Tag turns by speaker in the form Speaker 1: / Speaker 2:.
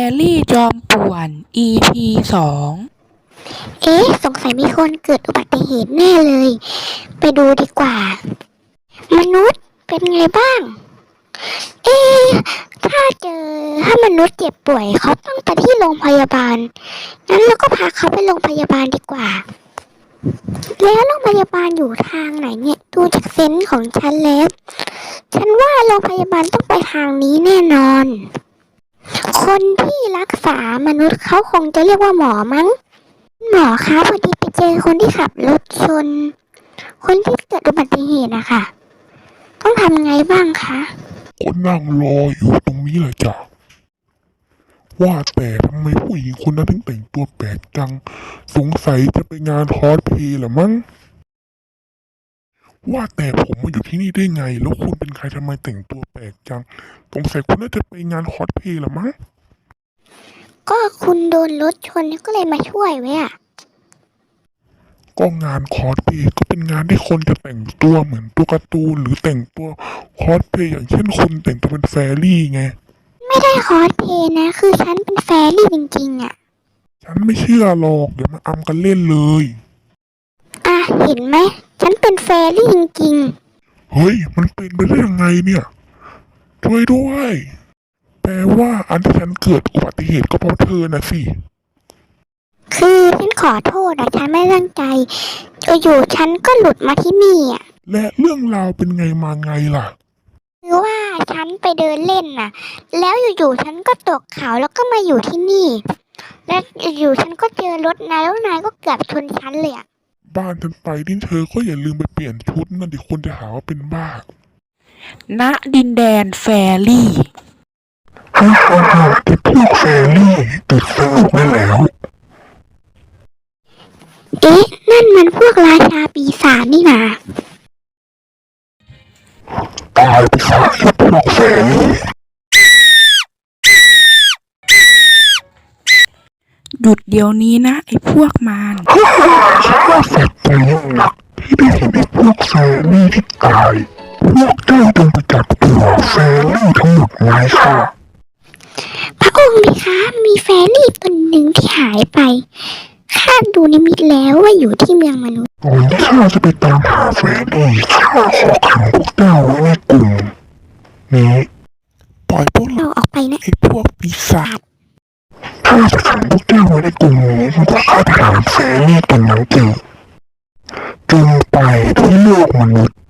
Speaker 1: รี่จอมป่วน EP 2
Speaker 2: สงสัยมีคนเกิดอุบัติเหตุแน่เลย ไปดูดีกว่า มนุษย์เป็นไงบ้าง ถ้ามนุษย์เจ็บป่วยเขาต้องไปที่โรงพยาบาล งั้นเราก็พาเขาไปโรงพยาบาลดีกว่า แล้วโรงพยาบาลอยู่ทางไหนเนี่ย ดูจากเซนส์ของฉันแล้ว ฉันว่าโรงพยาบาลต้องไปทางนี้แน่นอน คนที่รักษามนุษย์เขาคงจะเรียกว่าหมอมั้ง หมอคะพอดีไปเจอคนที่ขับรถชน คนที่เกิดอุบัติเหตุนะคะต้องทำไงบ้างคะ
Speaker 3: ก็นั่งรออยู่ตรงนี้แหละจ้ะว่าแต่ทำไมผู้หญิงคนนั้นถึงแต่งตัวแปลกจังสงสัยจะไปงานคอสเพลย์เหรอมั้งว่าแต่ผมมาอยู่ที่นี่ได้ไงแล้วคุณเป็นใครทำไมแต่งตัวแปลกจังสงสัยคุณน่าจะไปงานคอสเพลย์เหรอมั้ง
Speaker 2: ก็คุณโดนรถชนก็เลยมาช่วยไว้อะ
Speaker 3: ก็งานคอสเพลย์ก็เป็นงานที่คนจะแต่งตัวเหมือนตัวการ์ตูนหรือแต่งตัวคอสเพลย์อย่างเช่นคุณแต่งตัวเป็นแฟรี่ไง
Speaker 2: ไม่ได้คอสเพลย์นะ คือฉันเป็นแฟรี่จริงๆอะ
Speaker 3: ฉันไม่เชื่อหรอกเดี๋ยวมาอำกันเล่นเลย
Speaker 2: เห็นไหมฉันเป็นแฟรี่จริง
Speaker 3: เฮ้ยมันเป็นไปได้ยังไงเนี่ยช่วยด้วยแปลว่าอันที่ฉันเกิดอุบัติเหตุก็เพราะเธอนะสิ
Speaker 2: คือฉันขอโทษนะฉันไม่ตั้งใจอยู่ๆฉันก็หลุดมาที่นี่อะ
Speaker 3: และเรื่องราวเป็นไงมาไงล่ะ
Speaker 2: คือว่าฉันไปเดินเล่นน่ะแล้วอยู่ๆฉันก็ตกเขาแล้วก็มาอยู่ที่นี่และอยู่ๆฉันก็เจอรถนายแล้วนายก็เกือบชนฉันเลยอะ
Speaker 3: บ้านฉันไปนี่เธอก็อย่าลืมไปเปลี่ยนชุดนั่นดิคนจะหาว่าเป็นบ้า
Speaker 1: ณดินแดนแฟรี่
Speaker 3: แต่พวกแฟรี่ติดสนุกได้แล้ว
Speaker 2: นั่นมันพวกราชาปีศาจนี่นะ
Speaker 3: ตายไปซะไอ้พวกแฟรี่
Speaker 1: หยุดเดี๋ยวนี้นะไอ้พวกมาร
Speaker 3: ฉันว่าสัตว์ใจยิ่งหนักที่ได้เห็นไอ้พวกแฟรี่ที่ตายพวกเจ้าจงไปจับตัวแฟรี่ทั้งหมดไว้ค่ะ
Speaker 2: พระองค์นี่คะมีแฟรี่ตนหนึ่งที่หายไปข้าดูนิมิตแล้วว่าอยู่ที่เมืองมนุษย์
Speaker 3: ก่อนที่ข้าจะไปตามหาแฟรี่ข้าขอขังพวกเจ้าไว้ในกลุ่มนี้ปล่อยพวกเรา
Speaker 2: ออกไปนะ
Speaker 3: ไอ้พวกปีศาจข้าจะขังพวกเจ้าไว้ในกลุ่มนี้เพราะข้าถามแฟรี่ตนนั้นจริงไปที่โลกมนุษย์